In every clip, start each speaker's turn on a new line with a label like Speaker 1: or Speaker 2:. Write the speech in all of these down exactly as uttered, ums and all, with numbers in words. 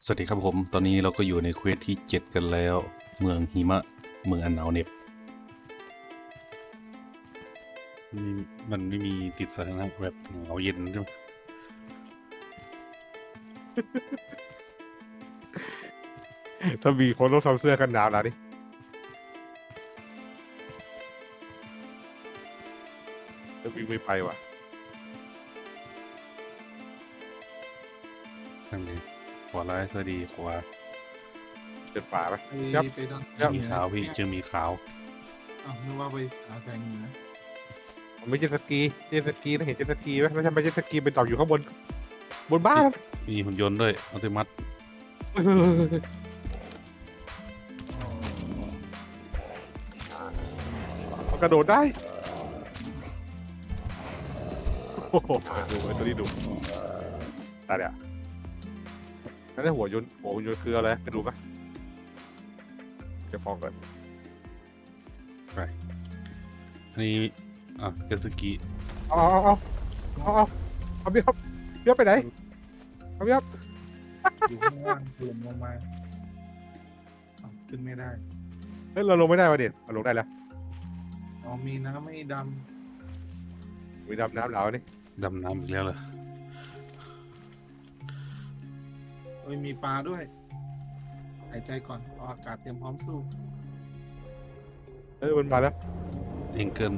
Speaker 1: สวัสดีครับผมตอนนี้เราก็อยู่ในเควสที่เจ็ดกันแล้วเมืองหิมะเมืองอันหนาวเหน็บมีมันไม่มีติดสถานะแบบหนาวเย็นใช่ไหม
Speaker 2: ถ้ามีคนต้องทำเสื้อกันหนาวแล้วดิจะวิ่งไม่ไปว่ะ
Speaker 1: นั่นไงขวาร้ายสวัสดีขวา
Speaker 2: เดินป่าไหม
Speaker 3: ไป
Speaker 2: ครับ
Speaker 3: ไปทาง
Speaker 2: ครับ
Speaker 1: มีขาวพี่เจอมีขาว
Speaker 3: อ้าวนึกว่าไปหาแสงเหนือ
Speaker 2: ผมไม่ใช่สกีเจ็ตสกีนะเห็นเจ็ตสกีไหมไม่ใช่ไม่ใช่สกีเป็นต่ออยู่ข้างบนบนบ้าน
Speaker 1: มีหุ่นยนต์ด้วยอัลติมัต
Speaker 2: มันกระโดดได้โอ้โหดูไอ้ตัวนี้ดูตายแล้วนั่นหัวยนต์หัวยนต์คืออะไรไปดูปะจะฟองก่อน
Speaker 1: อันนี้อ่ะเจตสกี
Speaker 2: เอาเอาเอาเอาเอาเอาพี่ครับพี่ครับไปไหนเอาพี่ครับ
Speaker 3: อยู่ข้างล่างถล่มลงมาอ้าวขึ้นไม่ได้
Speaker 2: เฮ้ยเราลงไม่ได้วะเด็ดเราลงได้แล้ว
Speaker 3: อ๋อมีน้ำไม่ด
Speaker 2: มีดำน้ำเหลานี่
Speaker 1: ดำน้ำอีกแล้วเหรอ
Speaker 3: ำเอ้ยมีปลาด้วยหายใจก่อนเอาอากาศเตรียมพร้อมสู้
Speaker 2: เฮ้ยมันมาแล้ว
Speaker 1: เองเกิน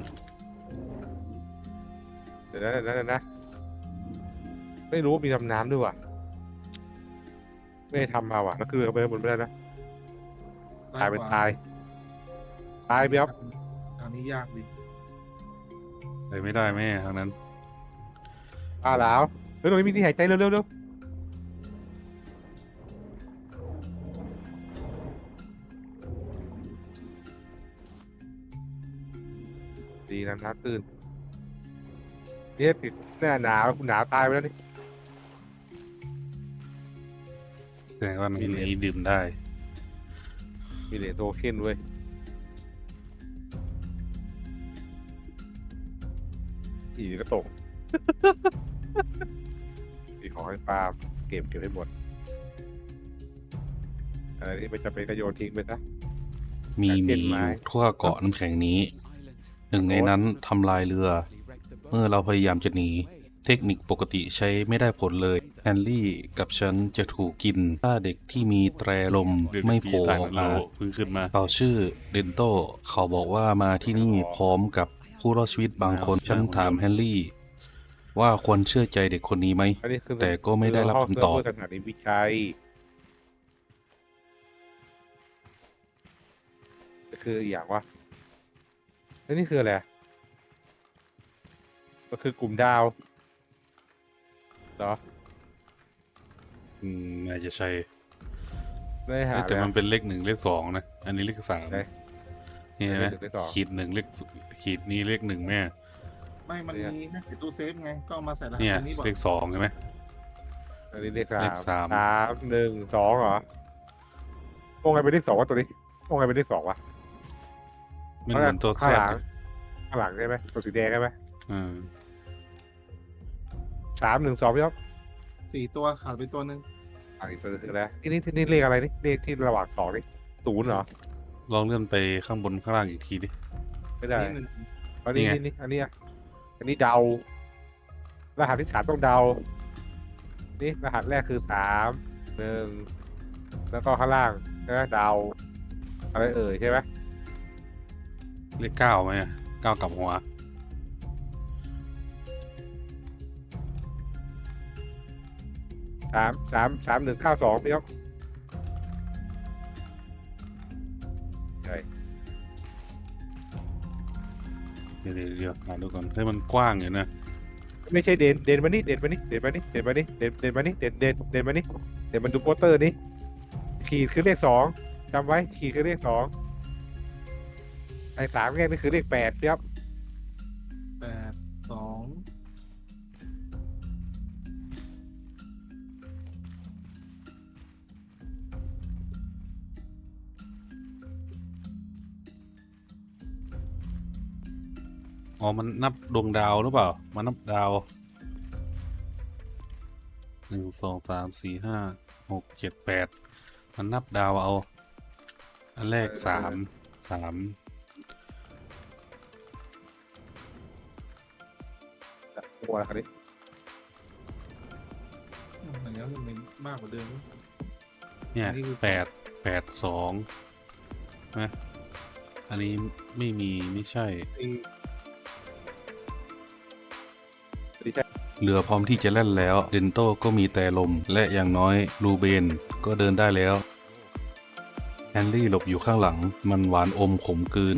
Speaker 2: เดี๋ยวนะเดี๋ยวนะเดี๋ยวนะไม่รู้ว่ามีดำน้ำด้วยว่ะไม่ได้ทำมาว่ะแล้วคือเขาไปบนไม่ได้นะตายเป็นตายตายพี่ครับ
Speaker 3: ทางนี้ยากดิ
Speaker 1: ไปไม่ได้แม่ทางนั้น
Speaker 2: ตายแล้วเฮ้ยตรงนี้มีที่หายใจเร็วเร็วเร็วดีนะน้ำตื้นเนี่ยติดหน้าหนาวคุณหนาวตายไปแล้วนี่
Speaker 1: แสดงว่ามีนี้ดื่มได้
Speaker 2: มีเหรียญโทเค็นเว้ยอีกก็ตก มีของให้ฟาร์มเก็บเก็บให้หมดอะไรที่ไม่จำเป็นก็โยนทิ้งไปซะ
Speaker 1: มีห
Speaker 2: เส้
Speaker 1: มี
Speaker 2: น
Speaker 1: อ
Speaker 2: ไม้
Speaker 1: ยู่ทั่วเกาะน้ำแข็งนี้ หนึ่งในนั้นทำลายเรือ เมื่อเราพยายามจะหนี เทคนิคปกติใช้ไม่ได้ผลเลยแฮนรี่กับฉันจะถูกกิน ถ้าเด็กที่มีแตรลมไม่โผล่ออกมาเพิ่งขึ้นมาเขาชื่อเดนโตเขาบอกว่ามาที่นี่พร้อมกับผู้รอดชีวิตบางคน ฉันถามแฮนรี่ ว่าควรเชื่อใจเด็กคนนี้ไหม
Speaker 2: อันนี้คือ
Speaker 1: แต่ก็ไม่ได้รับคำตอบ
Speaker 2: เพื่อสถานีวิจัยคืออย่างว่าแล้วนี่คืออะไรก็คือกลุ่มดาวเหรอ
Speaker 1: อืมน่าจะใช่
Speaker 2: ไม่ได้หา
Speaker 1: แต่
Speaker 2: เลย
Speaker 1: มันเป็นเลขหนึ่งเลขสองนะ อันนี้เลขสาม
Speaker 2: ไหน
Speaker 1: นี่เห็นไหม
Speaker 2: เลขหนึ่งเลขสอง
Speaker 1: ขีดหนึ่งเลขขีดนี้เลขหนึ่งแม่
Speaker 3: ไม่มัน
Speaker 2: เนี่ย
Speaker 3: มีนะไอ้ตู้เซฟไงก็เอามาใส่รหัส
Speaker 1: เนี่ย
Speaker 3: ตรงนี้บอก
Speaker 1: เลขสองใช่ไหม
Speaker 2: อันนี้เลขสา
Speaker 1: เล
Speaker 2: ม
Speaker 1: ขสาม
Speaker 2: สามหนึ่งสองเหรอโอ้ไงเป็นเลขสองวะตัวนี้โอ้ไงเป็นเลขสองวะ
Speaker 1: มันเหมือนตัวแซ
Speaker 2: ข้างห
Speaker 1: ด
Speaker 2: ลังข้างหลังใช่ไหมตัวสีแดงใช่ไหม
Speaker 1: อืม
Speaker 2: สามหนึ่งสองพี่ครับ
Speaker 3: สี่ตัวขาดไปตัวหนึ่ง
Speaker 2: อ่าอีกตัวนึงแล้วนี่นี่นี่เลขอะไรนี่เลขที่ระหว่างสองนี่ศูนย์เหรอ
Speaker 1: ลองเลื่อนไปข้างบนข้างล่างอีกทีดิ
Speaker 2: ไม่ได้
Speaker 3: นี่หนึ่ง
Speaker 2: อันนี้
Speaker 1: นี่ไง
Speaker 2: นี่นี่อันนี้อ่ะอันนี้เดา รหัสที่สามต้องเดา นี่รหัสแรกคือสามหนึ่งแล้วก็ข้างล่างใช่ไหมเดา อะไรเอ่ยใช่ไหม
Speaker 1: เลขเก้าไหมอะเก้ากลับหัว
Speaker 2: สามสามสามหนึ่งเก้าสองพี่ครับใช่
Speaker 1: เดี๋ยวเดี๋ยวเดี๋ยวอ่านดูก่อนให้มันกว้างอยู่นะ
Speaker 2: ไม่ใช่เดนเดนมานี่เดนมานี่เดนมานี่เดนมานี่เดนเดนมานี่เดนเดนเดนมานี่เดนมันดูโปสเตอร์นี้ขีดคือเลขสองจำไว้ขีดคือเลขสองไอ้สามแยกนี่คือเลขแปดพี่ครับ
Speaker 3: แปดสอง
Speaker 1: อ๋อมันนับดวงดาวหรือเปล่ามันนับดาวหนึ่งสองสามสี่ห้าหกเจ็ดแปดมันนับดาวเอา อันแรกสามสาม
Speaker 2: โอ้ยครับนี่
Speaker 3: ไหนแล้วมันเป็นมากกว่าเดิม
Speaker 1: เนี่ย
Speaker 3: อันนี้คือ
Speaker 1: แปดแปดสองนะอันนี้ไม่มีไม่ใช่
Speaker 3: ตี
Speaker 1: เรือพร้อมที่จะแล่นแล้ว เดนโต้ก็มีแต่ลม และอย่างน้อยลูเบนก็เดินได้แล้วแฮนรี่หลบอยู่ข้างหลัง มันหวานอมขมกลืน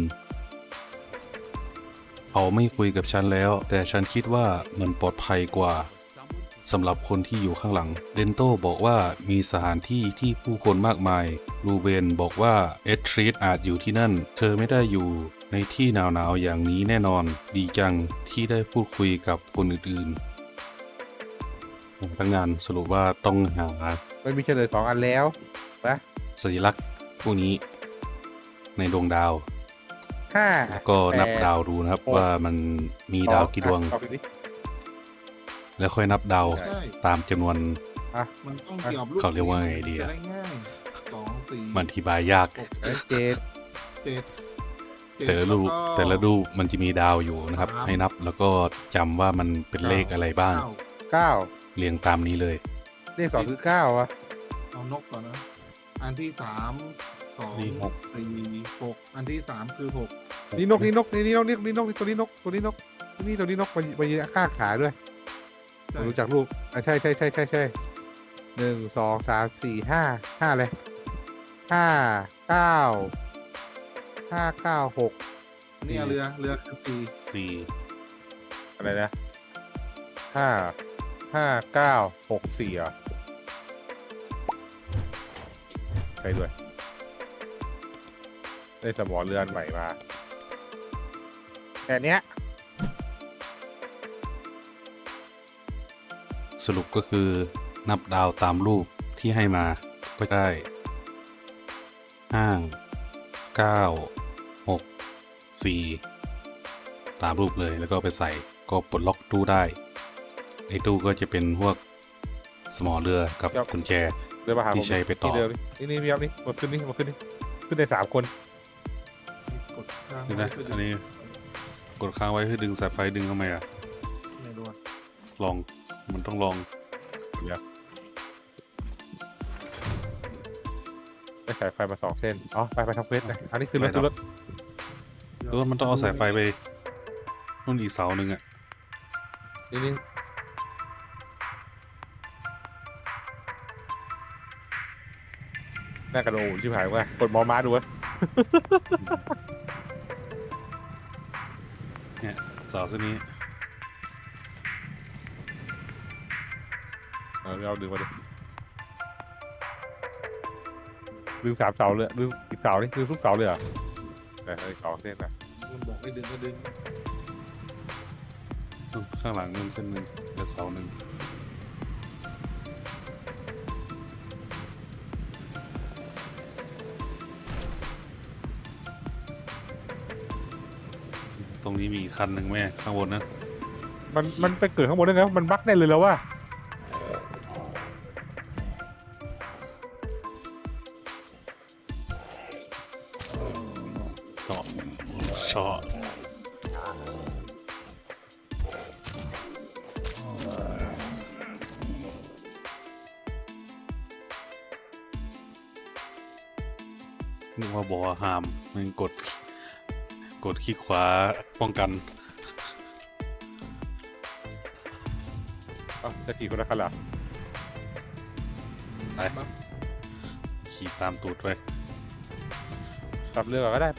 Speaker 1: เขาไม่คุยกับฉันแล้ว แต่ฉันคิดว่ามันปลอดภัยกว่าสำหรับคนที่อยู่ข้างหลัง เดนโต้บอกว่ามีสถานที่ที่ผู้คนมากมายลูเบนบอกว่าเอทรีดอาจอยู่ที่นั่น เธอไม่ได้อยู่ในที่หนาวๆอย่างนี้แน่นอน ดีจังที่ได้พูดคุยกับคนอื่นๆพนักงานสรุปว่าต้องหา
Speaker 2: มันมีเฉลยสองอันแล้วนะ
Speaker 1: สัญลักษณ์พวกนี้ในดวงดาว
Speaker 2: ห้า
Speaker 1: แล้วก็นับดาวดูนะครับว่ามันมีดาวกี่ดวง
Speaker 2: เอาไปดิ
Speaker 1: แล้วค่อยนับดาวตามจำนวน
Speaker 3: มันต้องเกี่ยวกับลูก
Speaker 1: เขาเรียกว่าไงดีอะ
Speaker 3: จได้ง่ายสองสี่
Speaker 1: มันอธิบายยาก
Speaker 3: หก
Speaker 2: เอ้ยเจ็ด
Speaker 3: เจ็ดเจ็ด
Speaker 1: แต่ละรูป
Speaker 3: วก็
Speaker 1: แต่ละรูปมันจะมีดาวอยู่นะครับ
Speaker 3: สาม
Speaker 1: ให้นับแล้วก็จำว่ามันเป็นเลขอะไรบ้าง
Speaker 3: เก้า
Speaker 2: เก้า
Speaker 1: เรียงตามนี้เลย
Speaker 2: เลขสองคือเก้าวะ
Speaker 3: เอานกก่อนนะ อันที่สามสอง
Speaker 1: นี่หก
Speaker 3: สี่หกอันที่สามคือหก
Speaker 2: นี่นกนี่นกนี่นี่นกนี่นี่นกตัวนี้นกตัวนี้นกนี่ตัวนี้นกมันมันยืนข้างขาด้วยผมรู้จักรูปอ่ะใช่ใช่ใช่ใช่ใช่หนึ่งสองสามสี่ห้าห้าเลยห้าเก้าห้าเก้าหก
Speaker 3: เนี่ยเรือเรือคือสี่
Speaker 1: สี่
Speaker 2: อะไรนะห้าห้าเก้าหกสี่อ่ะใช่ด้วยได้สมอเรือนใหม่มาแต่เนี้ย
Speaker 1: สรุปก็คือนับดาวตามรูปที่ให้มาก็ได้ห้าเก้าหกสี่ตามรูปเลยแล้วก็ไปใส่ก็ปลดล็อกตู้ได้ไอ้ตู้ก็จะเป็นพวกสมอเรือกับกุญแจ
Speaker 2: เดินมาหาผม
Speaker 1: ที่ใช้ไปต่อ
Speaker 2: นี่เดินนี่นี่พี่ครับนี่มาขึ้นนี่มาขึ้นนี่ขึ้นได้สามคน
Speaker 3: กดค้าง
Speaker 1: นี่นะ
Speaker 3: ไว้เพื่
Speaker 1: อันนี้กดค้างไว้เพื่อดึงสายไฟดึงทำไมอ่ะ
Speaker 3: ไม่รู้อะ
Speaker 1: ลองมันต้องลอง
Speaker 2: ได้สายไฟมาสองเส้นอ๋อไปไปทำเควสเลยอันนี้คือรถคือรถ
Speaker 1: แล้วมันต้องเอาสายไฟไปนู่นอีกเสาหนึ่งอ่ะ
Speaker 2: นี่นี่หน้ากระโดดชิบหายว่ากดมอม้าดูวะ
Speaker 1: เนี่ยเสาเส้นนี้
Speaker 2: เอาเอาดึงมาดิดึงสามเสาเลยดึงอีกเสานี่ดึงทุกเสาเลยเหรอแต่อีกสองเส้นนะ
Speaker 3: มันบอกให้ดึงก็ดึง
Speaker 1: ข้างหลังนู่นเส้นหนึ่งและเสาหนึ่งตรงนี้มีอีกคันหนึ่งแม่ข้างบนนะ
Speaker 2: มันมันไปเกิดข้างบนได้ไงวะมันบั๊กได้เลยแล้วว่า
Speaker 1: เชาะเชาะนึกว่าบอกว่าห้ามมันกด กดคลิกขวาป้องกัน
Speaker 2: อ๋อจะขี่คนละคันเหรอ
Speaker 1: ไปขี่ตามตูดไป
Speaker 2: ขับเรือก่อนก็ได้ไป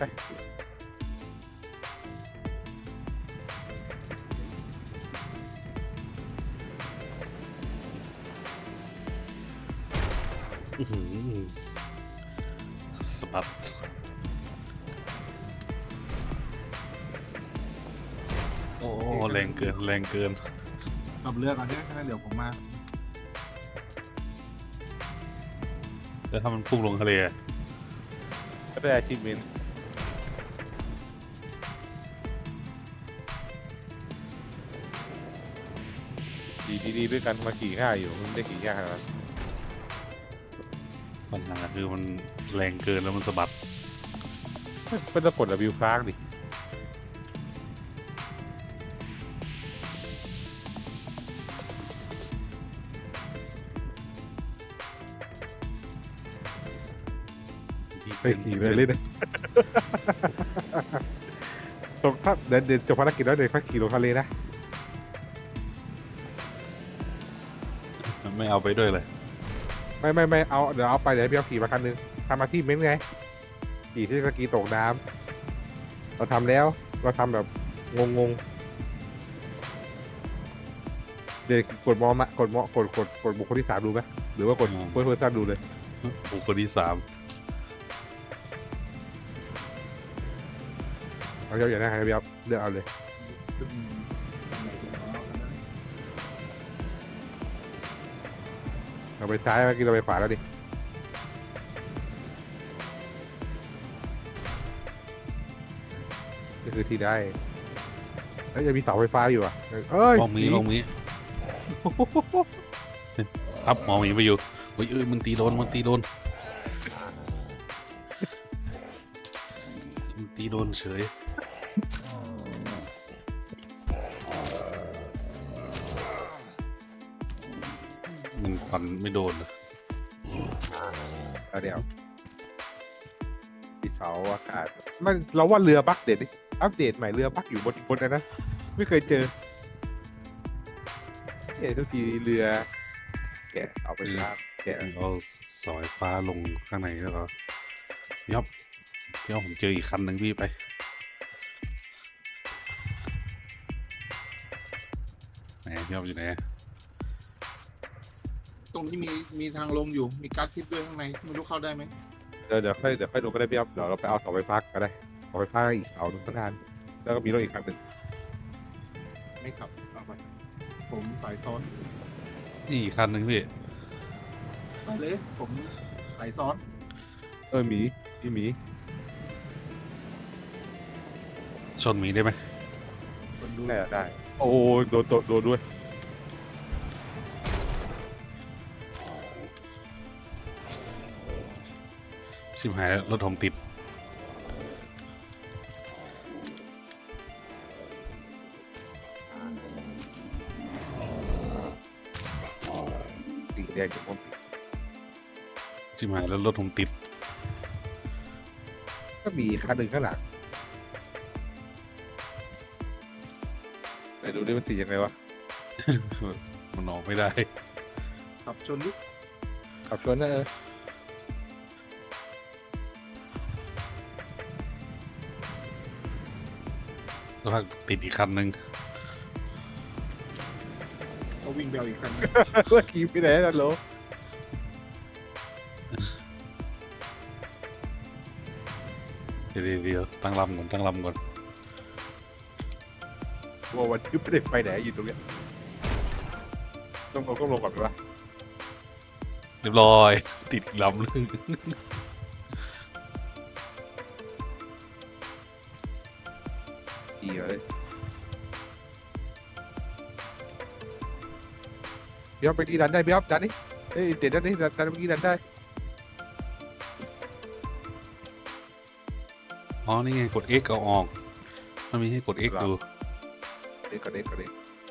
Speaker 1: อื้อหือสะบัดโอ้แรงเกินแรงเกิน
Speaker 3: ขับเรือก่อนเนี่ยงั้นเดี๋ยวผมมา
Speaker 1: แล้วถ้ามันพุ่งลงทะเลอะ
Speaker 2: ก็ได้อาชีพเมนดีขี่ดีๆด้วยกันมาขี่ง่ายอยู่มันไม่ได้ขี่ยากขนาดนั้น
Speaker 1: ปัญหาคือมันแรงเกินแล้วมันสะบัด
Speaker 2: ก็ต้องกด W ค้างดิไปขี่เลยเลยนะ ตรงถ้าเดินเดินจบภารกิจแล้วเดินค่อยขี่ลงทะเลนะ
Speaker 1: ไม่เอาไปด้วยเลย
Speaker 2: ไม่ไม่ไม่เอาเดี๋ยวเอาไปเดี๋ยวให้พี่เอาขี่มาคันนึงทำมาที่เม้นไงขี่ที่สกีตกน้ำเราทำแล้วเราทำแบบงงงๆเดี๋ยวกดมอมะกดมอกดกดกดบุคคลที่สามดูไหมหรือว่ากดเพื่อนเพื่อนดูเลย
Speaker 1: บุคคลที่สาม
Speaker 2: เอาเยอะอย่างนั้นครับพี่เอาเลือกเอาเลย
Speaker 3: ขึ้นทำไมถึงเอาอันนั้น
Speaker 2: เราไปซ้ายเมื่อกี้เราไปขวาแล้วดินี่คือที่ได้แล้วยังมีเสาไฟฟ้าอยู่อ่ะเอ้ย
Speaker 1: มองมีมองมีครับมองมีไปอยู่เฮ้ยเอ้ยมันตีโดนมันตีโดนมันตีโดนเฉยมันฟันไม่โดนเลย
Speaker 2: เอาเดี๋ยวที่เสาอากาศมันเราว่าเรือบักเดตดิอัปเดตใหม่เรือบักอยู่บนบนนั้นนะไม่เคยเจอเอ๊ะทุกทีเรือแกะเอาไปลากแกะ
Speaker 1: เอาสายฟ้าลงข้างในแล้วก็ยับเดี๋ยวผมเจออีกคันหนึ่งพี่ไปไหนพี่ยับอยู่ไหน
Speaker 3: ตรงนี้มีมีทางลงอยู่มีการ์ดทิปด้วยข้างในไม่รู้เข้าได้ไหม
Speaker 2: เดี๋ยวเดี๋ยวค่อยเดี๋ยวค่อยลงก็ได้พี่อ๊อฟเดี๋ยวเราไปเอาเสาไฟฟ้าก็ได้เสาไฟฟ้าอีกเสาหนึ่งข้างหน้าแล้วก็มีรถอีกคันหนึ่ง
Speaker 3: ไม่ขับเอาไปผมสายซ้อน
Speaker 1: นี่อีกคันหนึ่งพี่
Speaker 3: ไปเลยผมสายซ้อน
Speaker 2: เออหมีมีหมี
Speaker 1: ชนหมีได้ไหม
Speaker 3: คนดู
Speaker 2: ได้ได้โอ้ยโดนโดนโดนด้วย
Speaker 1: ชิบหายแล้วรถผมติด
Speaker 2: สีแดงกับผม
Speaker 1: ชิบหายแล้วรถผมติด
Speaker 2: ก็มีคันหนึ่งข้างหลังไปดูดิมันตียังไงวะ
Speaker 1: มันออกไม่ได้
Speaker 3: ขับชนดิ
Speaker 2: ขับชนนะเออ
Speaker 1: แล้วก็ติดอีกคันหนึ่ง
Speaker 3: ก็วิ่งเบลอีกคัน
Speaker 2: เมื่อกี้ไปไหนนั่นโหล
Speaker 1: เดี๋ยวเดี๋ยวเดี๋ยวตั้งลำก่อนตั้งลำก่อน
Speaker 2: ว่าวันที่ไม่ได้ไปไหนอยู่ตรงเนี้ยต้องลงต้องลงก่อนไหมวะ
Speaker 1: เรียบร้อย ติดอีกลำนึง
Speaker 2: ดีเลยพี่อ๊อฟไปที่ดันได้พี่อ๊อฟดันนี่เอ้ยเด็ดดันนี่ดันดันเมื่อกี้ดันได้
Speaker 1: อ๋อนี่ไงกด X เอาออกมันมีให้กด X ดู
Speaker 2: เด็กก่อนเด็กก่อนเด็ก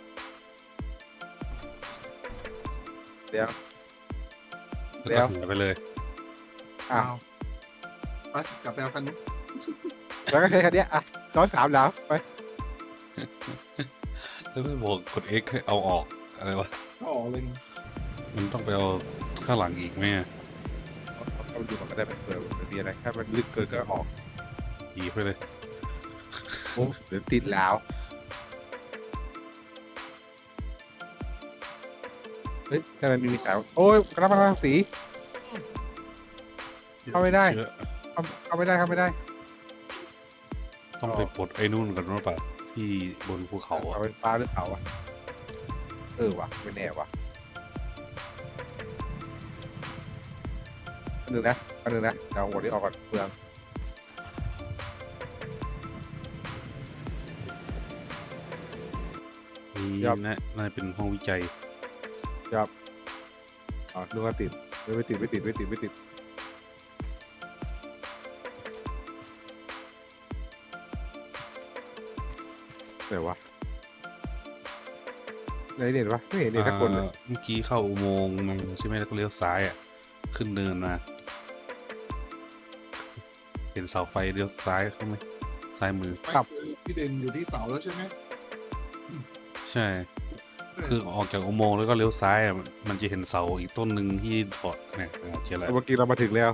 Speaker 2: เดี๋ยว
Speaker 1: แล้วก็หายไปเลย
Speaker 2: อ้า
Speaker 3: อ้าว วไปกลับไปเอาคันนู้น
Speaker 2: แล้วก็ใช้คันเนี้ยอ่ะซ้อนสามแล้วไป
Speaker 1: แล้วไม่บอกกด X ให้เอาออกอะไรวะ
Speaker 3: ก็ออกเลย
Speaker 1: มันต้องไปเอาข้างหลังอีกไหมอะ
Speaker 2: เอาดูมันก็ได้เป็นเผื่อมันมีอะไรถ้ามันลึกเกินก็ออก
Speaker 1: อีไปเลย
Speaker 2: โอ้เดี๋ยวติดแล้วเฮ้ยทำไมมีมีแต่โอ้ยกระมังสี เข้าไม่ได้
Speaker 1: เชื้อ
Speaker 2: เข้าเข้าไม่ได้เข้าไม่ได้
Speaker 1: ต้องไปปลดไอ้นู่นก่อนว่าปะที่บนภูเขา
Speaker 2: เอา
Speaker 1: อะ
Speaker 2: ไฟฟ้าหรือเปล่าวะเออวะไม่แน่วะอันหนึ่งนะอันหนึ่งนะเอาหัวนี้ออกก่อนเปลือง
Speaker 1: นี่
Speaker 2: ครับ
Speaker 1: นะน่าจะเป็นห้องวิจัย
Speaker 2: จับอ๋อนึกว่าติดไม่ไม่ติดไม่ติดไม่ติดไม่ติดไหนวะไหนเด่นวะไม่เห็นเด่นทักคนเลย
Speaker 1: อ่าเมื่อกี้เข้าอุโมงค์มาใช่ไหมแล้วก็เลี้ยวซ้ายอ่ะขึ้นเนินมาเห็นเสาไฟเลี้ยวซ้ายเขาไหมซ้ายมือ
Speaker 3: ไม่คือพี่เด่นอยู่ที่เสาแล้วใช่ไหม
Speaker 1: ใช่ คือออกจากอุโมงค์แล้วก็เลี้ยวซ้ายอ่ะมันมันจะเห็นเสาอีกต้นหนึ่งที่ถอดเนี่ยอ่าเจออะไร
Speaker 2: เมื่อกี้เรามาถึงแล้ว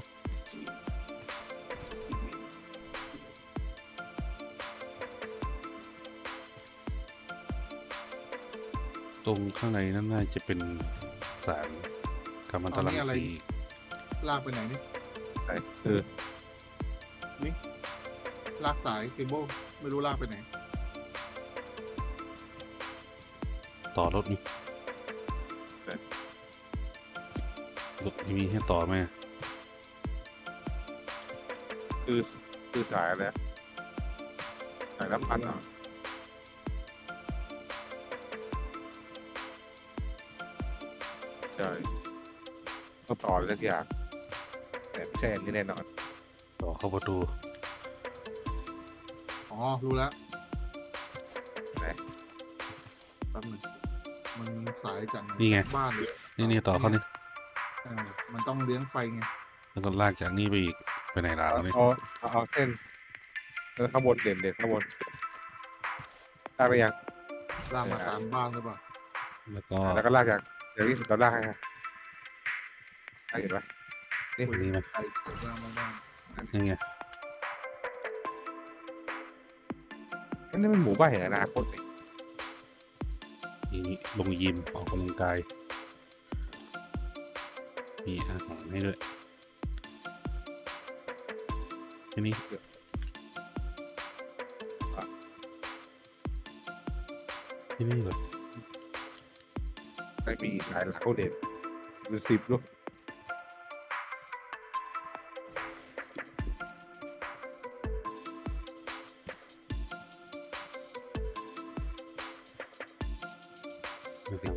Speaker 1: ตรงข้างในนั่นน่าจะเป็นสารกัมมันตรังสี
Speaker 3: ลากไปไหนนี่
Speaker 2: ไหนเออ
Speaker 3: นี่ลากสายเคเบิลไม่รู้ลากไปไหน
Speaker 1: ต่อรถนี่รถมีให้ต่อไหม
Speaker 2: คือคือสายอะไรอะสายน้ำพันอ่ะใช่ต้องต่ออะไรสักอย่างแต่ไม่ใช่อันนี้แน่นอน
Speaker 1: ต่อเข้าประตู
Speaker 3: อ๋อ รู้แล้ว
Speaker 2: ไหน
Speaker 3: แป๊บหนึงมันสายจาก
Speaker 1: นี่ไง
Speaker 3: บ้านเลย
Speaker 1: นี่นี่ต่อเข้านี่
Speaker 3: เออมันต้องเลี้ยงไฟไง
Speaker 1: แล้วก็ลากจากนี่ไปอีกไปไหนล่ะ
Speaker 2: เอา
Speaker 1: นี่
Speaker 2: เอาเอาเอาเส้นเออข้างบนเด่นเด่นข้างบนลากไปยัง
Speaker 3: ลากมาตามบ้านหรือเปล่า
Speaker 1: แล้วก็
Speaker 2: แล้วก็ลากจากอย่างนี้สุดเราลากให้ฮะลากเห็นปะนี่
Speaker 1: นี่ไหม
Speaker 3: ไฟเกิดลากมาบ้าน
Speaker 1: นี่ไง
Speaker 2: อันนี่มันหมู่บ้านแห่งอนาคตนี่
Speaker 1: นี่ลงยิมออกกำลังกายมีอาหารให้ด้วยทีนี้ที่นี่เหรอ
Speaker 2: ไม่มีหลายหลักเขาเด่นดูสิบลูก
Speaker 1: นะครับ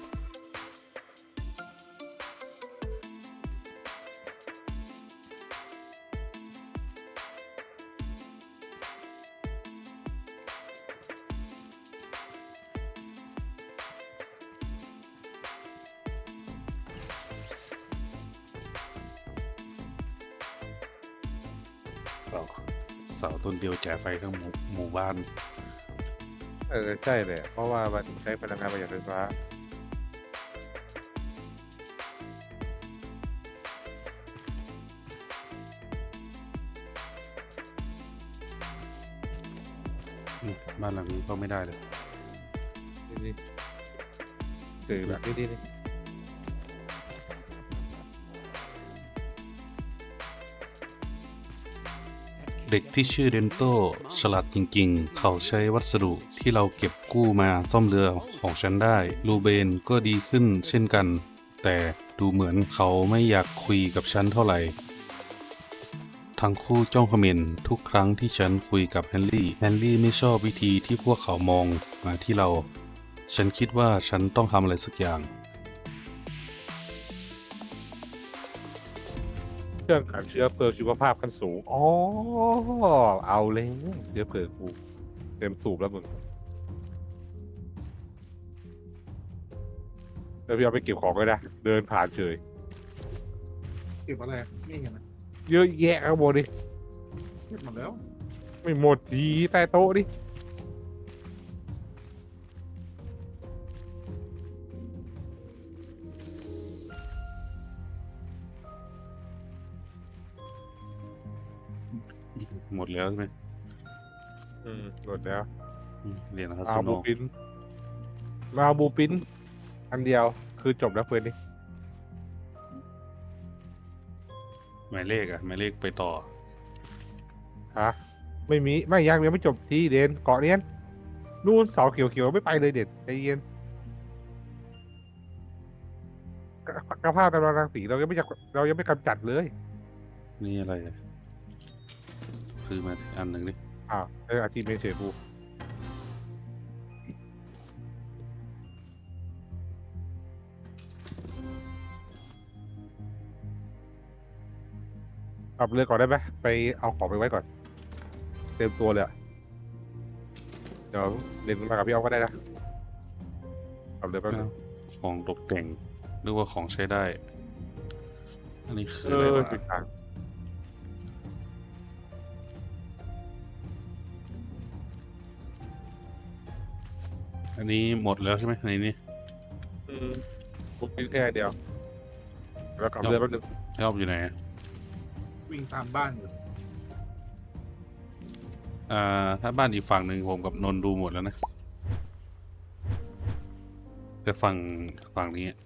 Speaker 1: เสาเสาต้นเดียวจ่ายไฟทั้งหมู่หมู่บ้าน
Speaker 2: เออใช่เลยเพราะว่ามันใช้พลังงานประหยัดไฟฟ้า
Speaker 1: อืมบ้านหลังนี้ก็ไม่ได้เลย
Speaker 2: นี่นี่สื่อแบบนี้นี่นี่
Speaker 1: เด็กที่ชื่อเดนโตฉลาดจริงๆ เขาใช้วัสดุที่เราเก็บกู้มาซ่อมเรือของฉันได้ลูเบนก็ดีขึ้นเช่นกัน แต่ดูเหมือนเขาไม่อยากคุยกับฉันเท่าไหร่ ทั้งคู่จ้องเขม็นทุกครั้งที่ฉันคุยกับแฮร์รี่ แฮร์รี่ไม่ชอบวิธีที่พวกเขามองมาที่เรา ฉันคิดว่าฉันต้องทำอะไรสักอย่าง
Speaker 2: เครื่องขังเชื้อเพลิงชีวภาพขั้นสูงอ๋อเอาเลยเชื้อเพลิงกูเต็มสูบแล้วมึงเดี๋ยวพี่เอาไปเก็บของก็ได้เดินผ่านเฉย
Speaker 3: เก็บอะไรไม่เห็นนะ
Speaker 2: เยอะแยะข้างบนดิ
Speaker 3: เก็บหมดแล้ว
Speaker 2: ไม่หมดทีใต้โต๊ะดิ
Speaker 1: หมดแล้วใช่ไหม
Speaker 2: อืมหมดแล้ว
Speaker 1: อืมเรียนนะครับ
Speaker 2: เอา
Speaker 1: สโน
Speaker 2: บูปินมาเอาบูปินอันเดียวคือจบแล้วเพื่อนนี่
Speaker 1: หมายเลขอะหมายเลขไปต่อ
Speaker 2: ฮะไม่มีไม่ยังยังไม่จบทีเด่นเกาะเนี้ยนู่นเสาเขียวๆไม่ไปเลยเด่นใจเย็นกกระภาพกำลังรังสีเรายังไม่จัดเรายังไม่กำจัดเลย
Speaker 1: นี่อะไรอะซื้อมาอันหนึ่งดิ
Speaker 2: อ้าวเอออาชีพไม่เฉยบูขับเรือก่อนได้ไหมไปเอาของไปไว้ก่อน เตรียมตัวเลยอะเดี๋ยวเดินมากับพี่อ้อมก็ได้นะขับเรือแป๊บนึง
Speaker 1: ของตกแต่งหรือว่าของใช้ได้ อันนี้คือ
Speaker 2: เอ
Speaker 1: อะไร
Speaker 2: อ
Speaker 1: วะ
Speaker 2: จุดกลาง
Speaker 1: อันนี้หมดแล้วใช่ไหมในนี้
Speaker 2: อืมปุ๊บแค่เดียวแล้วขับเรือแป๊บนึง
Speaker 1: ชอบอยู่ไหน
Speaker 3: วิ่งตามบ้านอยู่
Speaker 1: อ่า ถ้าบ้านอีกฝั่งหนึ่งผมกับนนท์ดูหมดแล้วนะ แต่ฝั่งฝั่งนี้อะ